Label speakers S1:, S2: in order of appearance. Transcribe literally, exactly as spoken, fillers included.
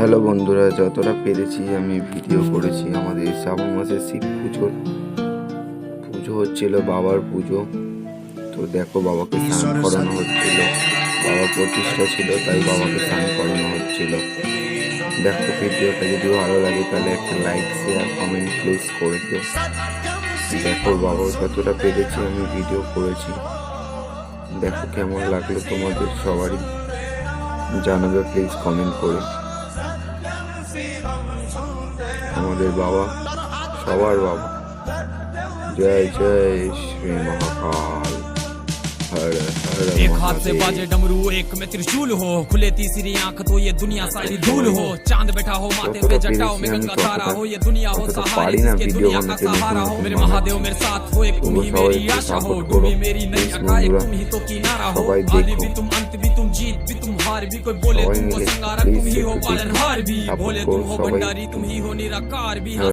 S1: Hello বন্ধুরা, যতটা পেরেছি আমি ভিডিও করেছি। আমাদের শ্রাবণ মাসে শিব পুজোর পুজো হচ্ছিল, বাবার পুজো। তো দেখো, বাবাকে স্নান করানো হচ্ছিল। বাবা প্রতিষ্ঠা ছিল, তাই বাবাকে স্নান করানো হচ্ছিল। দেখো, ভিডিওটা যদি ভালো লাগে তাহলে একটা লাইক, শেয়ার, কমেন্ট প্লিজ করে দিও। দেখো, বাবা যতটা পেরেছি আমি ভিডিও করেছি। দেখো কেমন লাগলো তোমাদের সবারই জানাবে প্লিজ কমেন্ট করে। আমাদের বাবা সবার বাবা। জয় জয় শ্রী মহাকাল। हर हर
S2: एक हाथ से बाजे डमरू, एक में त्रिशूल हो, खुले तीसरी आंख तो ये दुनिया सारी धूल हो। चांद बैठा हो माथे पे, जटाओ में गंगा धारा हो, ये दुनिया हो सहारे जिसके दुनिया का सहारा हो। मेरे महादेव मेरे साथ हो, एक तुम ही मेरी आशा हो, डूबी मेरी नैया का एक तुम ही तो किनारा हो। आदि भी तुम, अंत भी तुम, जीत भी तुम, हार भी। कोई बोले तुम हो संगारक, तुम ही हो पालनहार भी। भोले तुम हो भंडारी, तुम ही हो निराकार भी।